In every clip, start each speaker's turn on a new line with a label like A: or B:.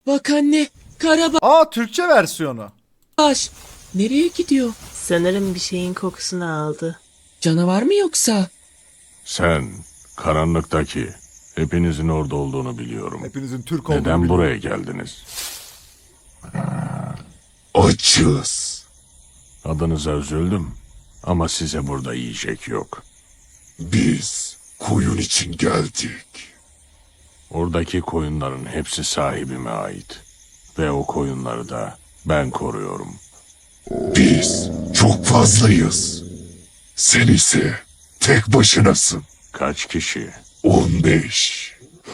A: Bak anne, Karabaş.
B: Aa, Türkçe versiyonu.
A: Nereye gidiyor?
C: Sanırım bir şeyin kokusunu aldı.
A: Canavar mı yoksa?
D: Sen, karanlıktaki, hepinizin orada olduğunu biliyorum.
B: Hepinizin Türk olduğunu
D: Neden
B: biliyorum.
D: buraya geldiniz?
E: Açız.
D: Adınıza üzüldüm ama size burada yiyecek yok.
E: Biz koyun için geldik.
D: Oradaki koyunların hepsi sahibime ait. Ve o koyunları da ben koruyorum.
E: Biz çok fazlayız. Sen ise tek başınasın.
D: Kaç kişi?
E: 15,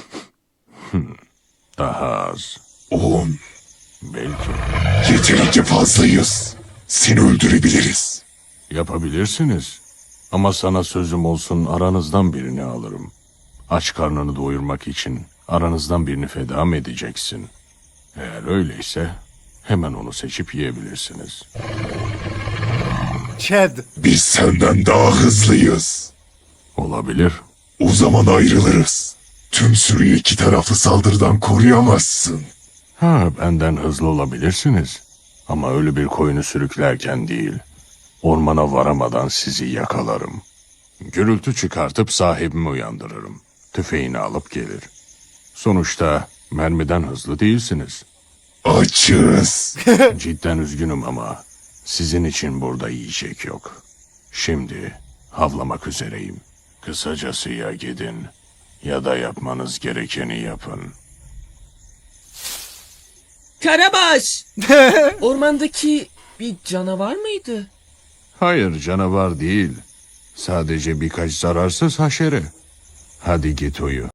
D: Daha az.
E: 10.
D: Belki.
E: Yeterince fazlayız. Seni öldürebiliriz.
D: Yapabilirsiniz. Ama sana sözüm olsun, aranızdan birini alırım. Aç karnını doyurmak için aranızdan birini feda mı edeceksin? Eğer öyleyse hemen onu seçip yiyebilirsiniz.
B: Chad.
E: Biz senden daha hızlıyız.
D: Olabilir.
E: O zaman ayrılırız. Tüm sürüyü iki taraflı saldırıdan koruyamazsın.
D: Benden hızlı olabilirsiniz. Ama öyle bir koyunu sürüklerken değil. Ormana varamadan sizi yakalarım. Gürültü çıkartıp sahibimi uyandırırım. Tüfeğini alıp gelir. Sonuçta mermiden hızlı değilsiniz.
E: Açız.
D: Cidden üzgünüm ama sizin için burada yiyecek yok. Şimdi havlamak üzereyim. Kısacası ya gidin ya da yapmanız gerekeni yapın.
A: Karabaş! Ormandaki bir canavar mıydı?
D: Hayır, canavar değil. Sadece birkaç zararsız haşere. Hadi git uyu.